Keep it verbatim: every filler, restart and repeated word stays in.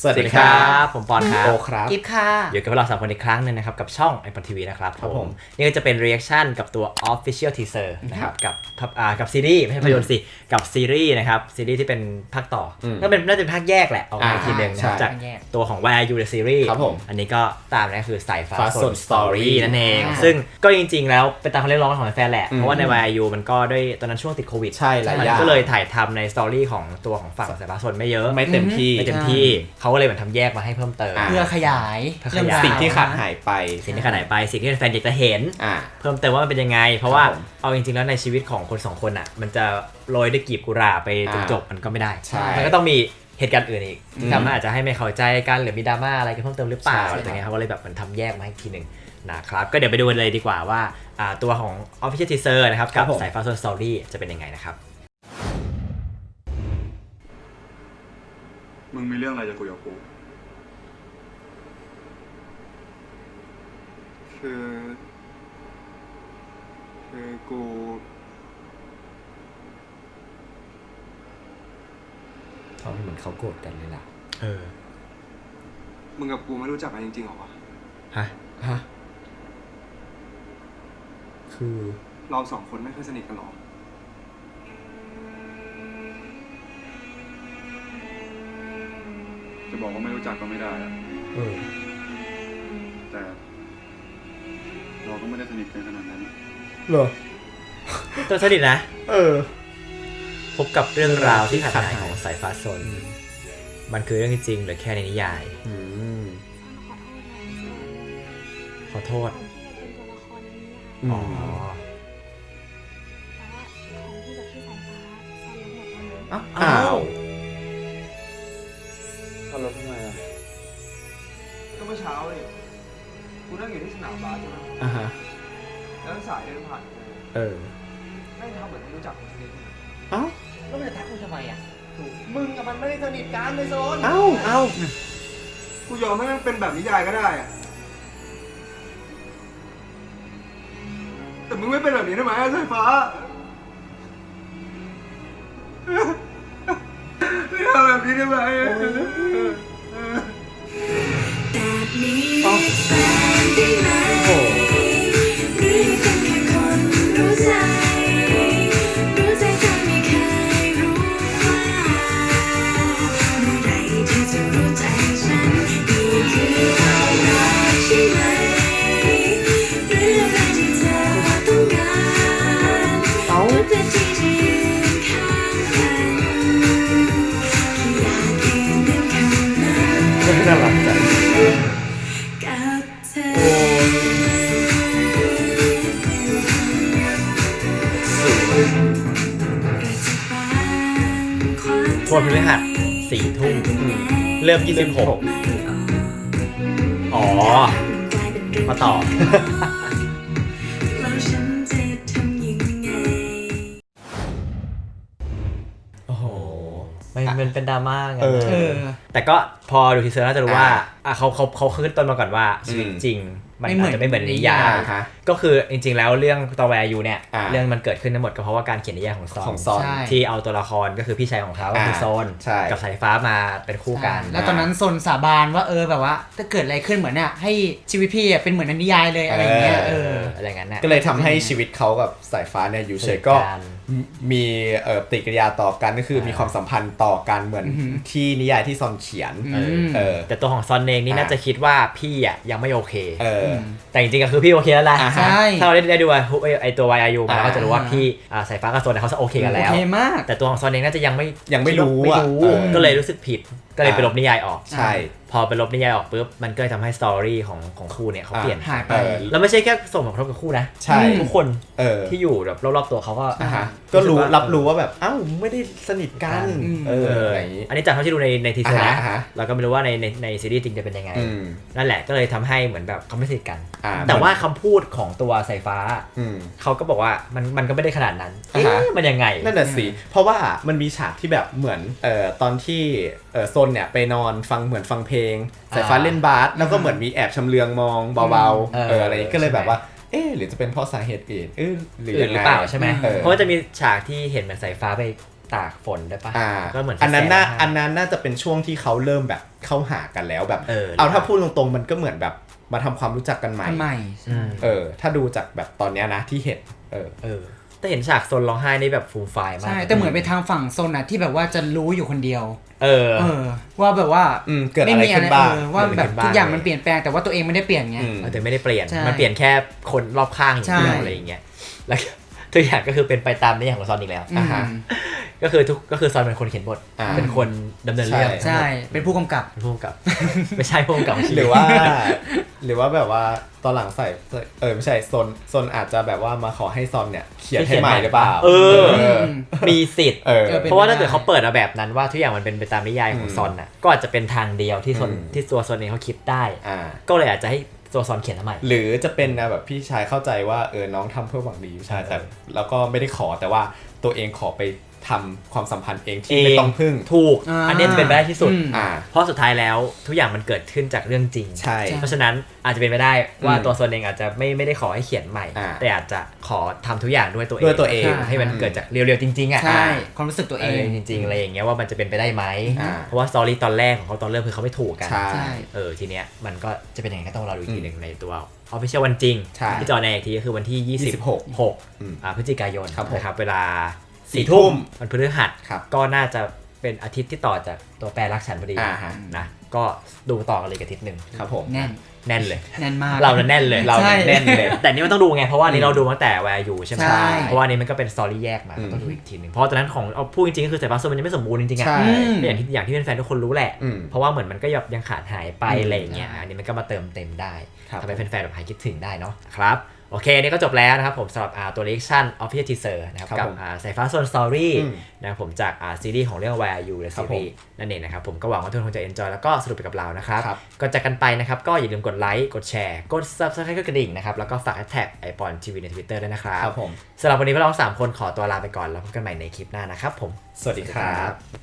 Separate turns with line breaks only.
สวัสดีครับ
ผมปอนครับ
โอครับ
กิฟค่ะ
อยู่กับเราสามคนอีกครั้งนึงนะครับกับช่องไอปอนทีวีนะครับผมนี่ก็จะเป็น reaction กับตัว official teaser นะครับกับอ่ากับซีรีส์ไม่ใช่ภาพยนตร์สิกับซีรีส์นะครับซีรีส์ที่เป็นภาคต่อก็เป็นน่าจะเป็นภาคแยกแหละออกมาอีกทีนึงนะจากตัวของ วาย อาร์ ยู The Series อันนี้ก็ตามนะคือสายฟ้าสน Story นั่นเองซึ่งก็จริงๆแล้วเป็นตามคำเรียกร้องของแฟนแหละเพราะว่าใน วาย อาร์ ยู มันก็ด้วยตอนนั้นช่วงติดโควิด
ใช่หลายอย่าง
ก็เลยถ่ายทำในสตอรี่ของตัวของฝั่งสายฟ้าสนไม่เยอะ
ไม่เต็มที่
ไม่เต็มที่เขาก็เลยเหมือนทำแยกมาให้เพิ่มเติม
เพื่อขยาย
สิ่งที่ขาดหายไป
สิ่งที่ขาดหายไปสิ่งที่แฟนอยากจะเห็นเพิ่มเติมว่ามันเป็นยังไงเพราะว่าเอาจริงๆแล้วในชีวิตของคนสองคนอ่ะมันจะโรยด้วยกลีบกุหลาบไปจนจบมันก็ไม่ได้มันก็ต้องมีเหตุการณ์อื่นอีกที่ทำให้อาจจะให้ไม่เข้าใจกันหรือมีดราม่าอะไรกันเพิ่มเติมหรือเปล่าอะไรอย่างเงี้ยเขาก็เลยแบบมันทำแยกมาอีกทีหนึ่งนะครับก็เดี๋ยวไปดูกันเลยดีกว่าว่าตัวของ Official Teaser นะครับกับสายฟ้า Soul Story จะเป็นยังไงนะครับ
มึงมีเรื่องอะไรจะคุยกับกูคือคือกู
เขาเหมือนเขาโกรธกันเลยล่ะเออ
มึงกับกูไม่รู้จักกันจริงๆหรอวะ
ฮะฮะคือ
เราสองคนไม่เคยสนิทกันหรอจะบอกว่าไม่รู้จักก็ไม่ได้อะ
เออ
แต่เราก็ไม่ได้สนิทกันขนาดนั้น
เหรอตัวสนิทนะ
เออ
พบกับเรื่องราวที่ขาดหายของสายฟ้าสนมันคือเรื่องจริงหรือแค่ในนิยายขอโทษอ๋อ
อ้าว
ขับรถทำไมอ่ะก็เมื่อเช้าเลยกูนั่งอยู่ที่สนามบาสใช่ไหม
อ่าฮะ
แล้วสายเดินผ่านกู
เออ
ไม่ทำเหมือนไม่รู้จักคนนี้
เอ้า
แล้วมันจะทักกูทำไมอ่ะ
มึงกับมันไม่ได้สนิทกันเลยโซน
เอ้าเอ้า
กูยอมให้มันเป็นแบบนิยายก็ได้อะแต่มึงไม่เป็นแบบนี้ได้ไหมสายฟ้าไม่ทำแบบนี้ได้ไหม
โอ้โหน่ารักจัง
ทั่วพฤหัสสี่ทุ่มเริ่มยี่สิบหกอ๋อมาต่อโอ้โหมันเป็นดราม่าไงแต่ก็พอดูทีเซอร์น่าจะรู้ว่าเขาเขาเขาขึ้นต้นมาก่อนว่าชีวิตจริงมันอาจจะไม่เหมือนนิยายก็คือจริงๆแล้วเรื่องตัว วาย อาร์ ยู เนี่ยเรื่องมันเกิดขึ้นทั้งหมดก็เพราะว่าการเขียนนิยายของซอนที่เอาตัวละครก็คือพี่ชายของเขาก็คือโซนกับสายฟ้ามาเป็นคู่กัน
แล้วตอนนั้นโซนสาบานว่าเออแบบว่าถ้าเกิดอะไรขึ้นเหมือนเนี่ยให้ชีวิตพี่เป็นเหมือนในนิยายเลยอะไรเงี้ยเออ
อะไรงั้นนะ
ก็เลยทำให้ชีวิตเขากับสายฟ้าเนี่ยอยู่เฉยก็มีเอ่อปฏิกิริยาต่อกันก็คือมีความสัมพันธ์ต่อกันเหมือนที่นิยายที่ซอนเขียนเออ
แต่ตัวของซอนเองนี่น่าจะคิดว่าพี่อ่ะยังไม่โอเคแต่จริงๆก็คือพี่โอเคแล้วแหละถ้าเราได้ดูไอตัว วาย อาร์ ยู มาเราก็จะรู้ว่าพี่สายฟ้ากับโซนเขาจะโอเคกันแล้วแต่ตัวของซอนเองน่าจะยังไม่
ยังไม่รู้อ่ะ
ก็เลยรู้สึกผิดก็เลยไปลบนิยายออก
ใช่
พอไปลบนิยายออกปุ๊บมันก็ทำให้สตอรี่ของของคู่เนี่ยเขาเปลี่ยน
หายไป
แล้วไม่ใช่แค่ส่งผลกระทบกับคู่นะ
ใช่
ทุกคนที่อยู่แบบรอบๆตัวเขาก็
ก็รู้รับรู้ว่าแบบอ้าวไม่ได้สนิทกันเออ
อันนี้จากที่ดูในในทีเซอร์นะเราก็ไม่รู้ว่าในในในซีรีส์จริงจะเป็นยังไงนั่นแหละก็เลยทำให้เหมือนแบบเขาไม่สนิทกันแต่ว่าคำพูดของตัวสายฟ้าเขาก็บอกว่ามันมันก็ไม่ได้ขนาดนั้นเอ๊ะมันยังไง
นั่นแหละสิเพราะว่ามันมีฉากที่แบบเหมือนเอ่อตอนที่เอ่อโซนเนี่ยไปนอนฟังเหมือนฟังเพลงสายฟ้าเล่นบาสแล้วก็เหมือนมีแอบชำเลืองมองเบาๆเอออะไรก็เลยแบบว่าเอ๊ะหรือจะเป็นเพราะสาเหตุอื่นเออหรือ
หรือเปล่าใช่ไหมเพราะว่าจะมีฉากที่เห็นเหมือนสายฟ้าไปตากฝนได้ปะ
อ่า
ก็เหมือน
อันนั้นน่า
แสง
อันนั้นน่าจะเป็นช่วงที่เขาเริ่มแบบเข้าหากันแล้วแบบ
เออ
เอาถ้าพูดตรงๆมันก็เหมือนแบบมาทำความรู้จักกันใหม่
ทำไม
อืม
เออถ้าดูจากแบบตอนเนี้ยนะที่เห็นเออ
เออแต่เห็นฉากซนร้องไห้นี่แบบฟูมไฟล์มาก
ใช่แต่เหมือนไปทางฝั่งโซนน่ะที่แบบว่าจะรู้อยู่คนเดียว
เออ
เออว่าแบบว่า
อืมเกิดอะไรขึ้นบ้าง
เออว่าแบบ
เกิดอะไรขึ้นบ้าง
ทุกอย่างมันเปลี่ยนแปลงแต่ว่าตัวเองไม่ได้เปลี่ยนไง
อืม
แต่ไม่ได้เปลี่ยน
ใช่
มันเปลี่ยนแค่คนรอบข้างอย่างเดียว
ใช่
อะไรอย่างเงี้ยแล้วก็ทุกอย่างก็คือเป็นไปตามนิยามของซอนอีกแล้ว
อืม
อ่าฮะ
ก็คือทุกก็คือซอนเป็นคนเขียนบท
อ่า
เป็นคนดำเนินเรื่อง
ใช่เป็นผู้กำกับ
เป็นผู้กำกับ ไม่ใช่ผู้กำกับ
หรือว่า หรือว่าแบบว่าตอนหลังใส่เออไม่ใช่ซนซนอาจจะแบบว่ามาขอให้ซอนเนี่ยเขียนให้ใหม่หรือเปล่า
เออ
เออ
มีสิทธิ์
เออ
เออ
เพราะว่าถ้าเกิดเขาเปิดมาแบบนั้นว่าทุกอย่างมันเป็นไปตามนิยายของ
อืม
ซอนน่ะก็อาจจะเป็นทางเดียวที่ซอน
อืม
ที่ตัวซอนเองเขาคิดได้
อ่า
ก็เลยอาจจะให้ตัวซอนเขียนทำไม
หรือจะเป็นนะแบบพี่ชายเข้าใจว่าเออน้องทำเพื่อหวังดีใช่แต่แล้วก็ไม่ได้ขอแต่ว่าตัวเองขอไปทำความสัมพันธ์เองที่ไม่ต้องพึ่ง
ถูก
อ่า
อันนี้จะเป็นไปได้ที่สุด
อืม
อ่า
เพราะสุดท้ายแล้วทุกอย่างมันเกิดขึ้นจากเรื่องจริง
ใช่
เพราะฉะนั้นอาจจะเป็นไปได้ว่า
อืม
ตัวซอนเองอาจจะไม่ไม่ได้ขอให้เขียนใหม่
อ่า
แต่อาจจะขอทำทุกอย่างด้วยตัวเอง
ด้วยตัวเอง
คือให้มันเกิดจากเรียวๆจริงๆอ่ะ
ใช่
อ่า
ความรู้สึกตัว
เอ
เอ
อง จริงๆอะไรอย่างเงี้ยว่ามันจะเป็นไปได้ไหม
อ่า
เพราะว่าสตอรี่ตอนแรกของเขาตอนเริ่มคือเขาไม่ถูกกัน
ใช่
ใช่
เออทีเนี้ยมันก็จะเป็นยังไงก็ต้องรอดูอีกทีหนึ่งในตัว Official วันจริง
ใช่
ที่จอในอีกทีก็คือวันที่ยี่สิบหก
อืม
อ่าพฤศจิกายน
ครับผม
นะครับเวลา
สี่
สี่
ทุ่
ทุ่
ม
มวันพฤหัส
ครับ
ก็น่าจะเป็นอาทิตย์ที่ต่อจากตัวแปรรักฉันพอดี
อ่าฮะ
นะก็ดูต่อกันเลยกับอาทิตย์หนึ่ง
ครับผม
แน่น
แน่นเลย
แน่นมาก
เราเนี่ยแน่นเลย
เรา
ใช่
แน่นเลย
แต่นี่มันต้องดูไงเพราะว่าอันนี้เราดูมาตั้งแต่แวร์อยู่ใช่ไหม
ใช่
เพราะว่าอันนี้มันก็เป็นสตอรี่แยกมา
อืม
ต้องดูอีกทีหนึ่งเพราะตอนนั้นของเอาพูดจริงๆก็คือสายฟ้าโซนมันยังไม่สมบูรณ์จริงๆอ่ะ
ใช่
อืม
อย่างที่อย่างที่แฟนๆทุกคนรู้แหละ
อืม
เพราะว่าเหมือนมันก็ยังขาดหายไป
อืม
อะไรอย่างเงี้ยอันนี้มันก็มาเติมเต็มได้
ครับ
ทำให้แฟนๆแบบหายคิดถึงได้เนาะครับโอเคนี่ก็จบแล้วนะครับผมสำหรับอ่าตัว reaction official teaser นะครับ
ครับ
กับ
ผม
อ่าสายฟ้าโซน story
อืม
นะครับผมจากอ่าซีรีส์ของเรื่อง Where Are You และ
ครับ
ซีรีส์นั่นเองนะครับผมก็หวังว่าทุกคนคงจะ enjoy แล้วก็สนุกไปกับเรานะครับ
ครับ
ก่อนจากกันไปนะครับก็อย่าลืมกดไลค์กดแชร์กด subscribe กดกระดิ่งนะครับแล้วก็ฝากแท็กไอปอนทีวีใน Twitter ด้วยนะครับ
ครับผม
สำหรับวันนี้พวกเราสามคนขอตัวลาไปก่อนแล้วพบกันใหม่ในคลิปหน้านะครับผม
สวัสดีครับ